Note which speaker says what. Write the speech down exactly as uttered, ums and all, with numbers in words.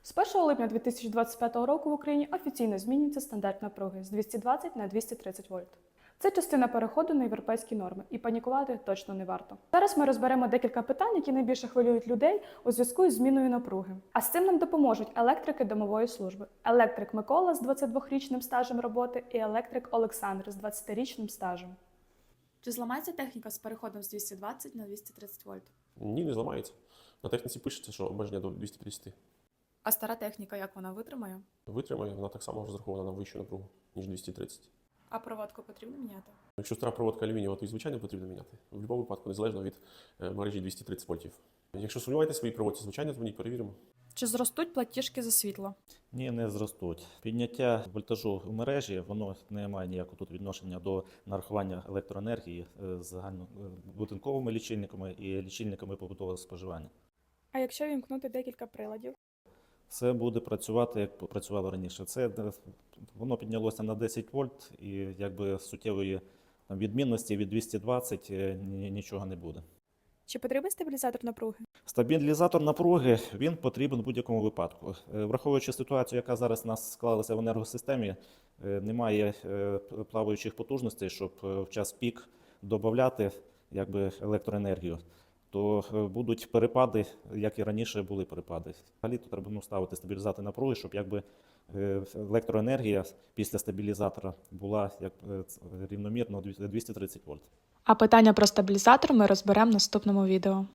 Speaker 1: З першого липня дві тисячі двадцять п'ятого року в Україні офіційно змінюється стандарт напруги з двісті двадцять на двісті тридцять вольт. Це частина переходу на європейські норми, і панікувати точно не варто. Зараз ми розберемо декілька питань, які найбільше хвилюють людей у зв'язку із зміною напруги. А з цим нам допоможуть електрики домової служби. Електрик Микола з двадцятидвохрічним стажем роботи і електрик Олександр з двадцятирічним стажем.
Speaker 2: Чи зламається техніка з переходом з двісті двадцять на двісті тридцять вольт?
Speaker 3: Ні, не зламається. На техніці пишеться, що обмеження до двісті тридцять.
Speaker 2: А стара техніка, як вона витримає?
Speaker 3: Витримає, вона так само розрахована на вищу напругу, ніж двісті тридцять.
Speaker 2: А проводку потрібно міняти?
Speaker 3: Якщо стара проводка алюмінієва, то і звичайно потрібно міняти. В будь-якому випадку, незалежно від е, мережі двісті тридцять вольтів. Якщо сумніваєтесь в своїй проводці, звичайно, дзвоніть, перевіримо.
Speaker 2: Чи зростуть платіжки за світло?
Speaker 4: Ні, не зростуть. Підняття вольтажу в мережі, воно не має ніякого тут відношення до нарахування електроенергії з загальнобудинковими лічильниками і лічильниками побутового споживання.
Speaker 1: А якщо вімкнути декілька приладів?
Speaker 4: Це буде працювати, як працювало раніше. Це воно піднялося на десять вольт, і якби суттєвої там, відмінності від двісті двадцять нічого не буде.
Speaker 1: Чи потрібен стабілізатор напруги?
Speaker 4: Стабілізатор напруги, він потрібен в будь-якому випадку. Враховуючи ситуацію, яка зараз у нас склалася в енергосистемі, немає плаваючих потужностей, щоб в час пік додати якби, електроенергію, то будуть перепади, як і раніше були перепади. Взагалі тут треба ну, ставити стабілізатор напруги, щоб якби, електроенергія після стабілізатора була як, рівномірно двісті тридцять вольт.
Speaker 1: А питання про стабілізатор ми розберемо в наступному відео.